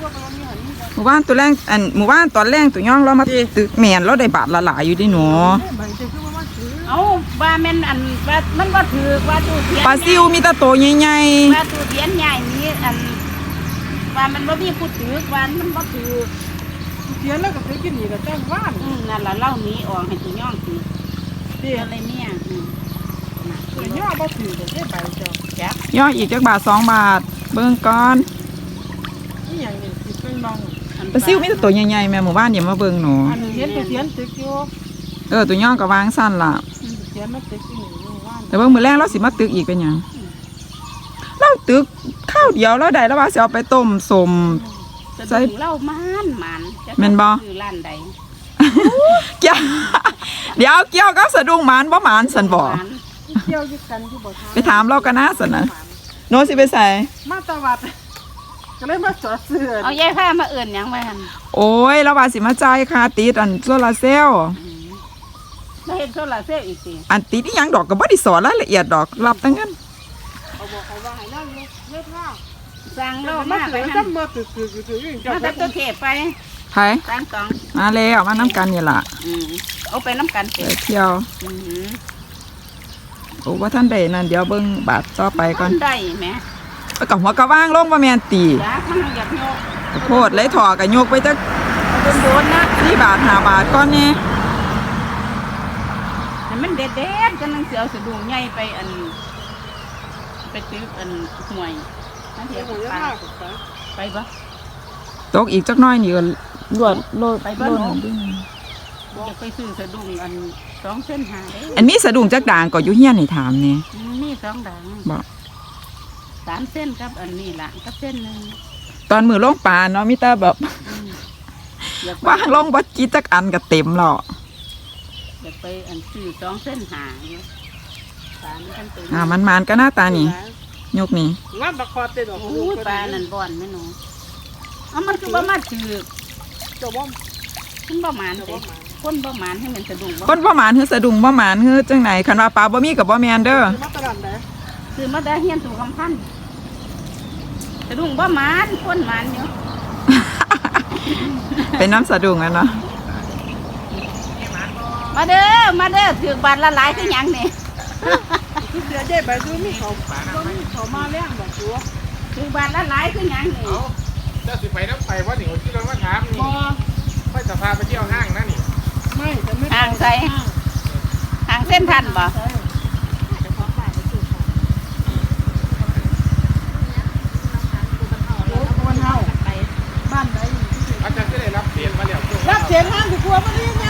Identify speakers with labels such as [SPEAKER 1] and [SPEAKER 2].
[SPEAKER 1] หมู่บ้านตัวแรงหมู่บ้านตอนแรงตัวย่องเรามาตึกแมนเราได้บาทละหลายอยู่ดิหนู
[SPEAKER 2] เอาว่าแม่นว่ามันว่าถือว่าตู้เทียน
[SPEAKER 1] ปลาซิวมีแต่โตใหญ่
[SPEAKER 2] ว่าตู้เทียนใหญ่นี้ว่ามันบ่มีผู้ถือว่ามันบ่ถือ
[SPEAKER 3] เทียนแล้วก็ซื้อกินนี่ก็จ้างว่าน
[SPEAKER 2] นั่นล่ะเล่านี้ออกให้ตัวย่องสิอะไรเนี่ย
[SPEAKER 3] ตัวย่อบ่ถือได้ใบเจ้า
[SPEAKER 2] จับ
[SPEAKER 1] ย่ออีกจักบาท2 บาทเบิ่งก่อน
[SPEAKER 3] นี่อย่างนี้สิเป็นมอง
[SPEAKER 1] ปลาซิวมีแต่ตัวใหญ่ๆแม่หมู่บ้านอย่ามาเบิ่งหนู
[SPEAKER 3] อันนี้เห็นตัวเทียนตึกอยู่
[SPEAKER 1] ตัวย่องก็วางสั้นล่ะ
[SPEAKER 3] เทียนมันตึกอยู่นี่ว่าน
[SPEAKER 1] แต่เบิ่งมื้อแรงเราสิมาตึกอีกเป็นหยังเราตึกข้าวเดียวแล้วได้แล้วว่าสิเอาไปต้มสม
[SPEAKER 2] ใส่เล่ามัน
[SPEAKER 1] แม่นบ่
[SPEAKER 2] คือร้านใด
[SPEAKER 1] เกี่ยวเดี๋ยวเกี่ยวกับสะดุ้งหมานบ่หมานสันบ่
[SPEAKER 3] เกี่ยวยึดกันอยู่บ่ทาง
[SPEAKER 1] ไปถามเรากันนะสันนะโน้สิไปใส่
[SPEAKER 3] มาตะวัดก็เลยมาจอดซื้อ
[SPEAKER 2] เอายายผ้ามาเอื่นยังไงหัน
[SPEAKER 1] โอ้ยเราว่าสิมาจ่ายค่าติดโซลาร์เซลล์
[SPEAKER 2] แล้วเห็นโซลาร์เซลล์อีกสิ
[SPEAKER 1] ติดอีหยังดอกก็บ่ได้สอนรายละเอียดดอกรับแต่เงิน
[SPEAKER 3] เอาบอกเขาว่าให้นั่งเลือดผ้า
[SPEAKER 2] สั่งเรามากไปหัน
[SPEAKER 3] มาตึก
[SPEAKER 2] มาตัดตัวเทปไป
[SPEAKER 1] ไผ
[SPEAKER 2] สั่ง2
[SPEAKER 1] มาแล้วมาน้ำกันนี่ล่ะ
[SPEAKER 2] เอาไปน้ำกัน
[SPEAKER 1] ไปเที่ยวโอ้ว่าท่านใดนั่นเดี๋ยวเบิ่งบาทต่อไปก่อน
[SPEAKER 2] ได้แม่
[SPEAKER 1] กับหัวกระว่างลงบ่แม่นตี
[SPEAKER 2] จ้ามันอยากโยก
[SPEAKER 1] โพดเลยถอกันยกไปจัก
[SPEAKER 2] โดนนะ
[SPEAKER 1] 4 บาท5 บาทก่อนนี่
[SPEAKER 2] มันเด็ดกันนังเสียวสะดุ้งใหญ่ไปไปตึกห่วยนั่นเถียงไปปะ
[SPEAKER 1] ตกอีกจักน้อยนี่ก็ลวดโลด
[SPEAKER 2] ไปบ้านอยากไปซื้อสะดุ้ง2 เส้นหา
[SPEAKER 1] อันมีสะดุ้งจักด่างก็อยู่เฮียนให้ถามนี่
[SPEAKER 2] มี2 ด่าง
[SPEAKER 1] บ่
[SPEAKER 2] 3 เส้นครับอันนี้ล่ะกับเส้นนึง
[SPEAKER 1] ตอนมือลงปลาเนาะมีแต่แบบว่างลงบ่จิจักอันก็เต็มแล้ว
[SPEAKER 2] อยากไปซื้อ2 เส้นหาอยู่
[SPEAKER 1] มันก็หน้าตานี่ยกนี่
[SPEAKER 3] งานบักคอเต็ดดอก
[SPEAKER 2] ปลานั่นบ่อนแม่หนูมันคือบ่มาถือ
[SPEAKER 3] เจ้าบ่
[SPEAKER 2] มันบ่หมานเด้คนบ่หมานให้มันสะดุ้ง
[SPEAKER 1] คนบ่หมานคือสะดุ้งบ่หมานคือจังไหนคันว่าปลาบ่มีก็บ่แม่นเด้อ
[SPEAKER 3] มาตลาดไหน
[SPEAKER 2] คือมาได้เฮียนสู่คำพันสะดุ้งบ่หมานคนหมานอยู่
[SPEAKER 1] เป็นน้ำสะดุ้งเนาะ
[SPEAKER 2] มาเด้อถือบาทละหลายคือหยังนี่
[SPEAKER 3] เดี๋ยวใจไปดูมีเขามาเลี้ยงบ่ชัว
[SPEAKER 2] ถือบาทละหลายคือหยังนี่
[SPEAKER 4] เจ้าสิไปน้ำไปว่าหนิวที่เรามาถามนี่ค่อยจะพาไปเที่ยวห้างนะนี่
[SPEAKER 3] ไม่แต่ไม่
[SPEAKER 2] ห่างใส่ห่างเส้นทันบ่
[SPEAKER 3] บ้านไหน
[SPEAKER 4] อาจารย์ก็ได้รับเสียงมาแล้ว
[SPEAKER 3] รับเสียงห้างถือกลัวมาเรียก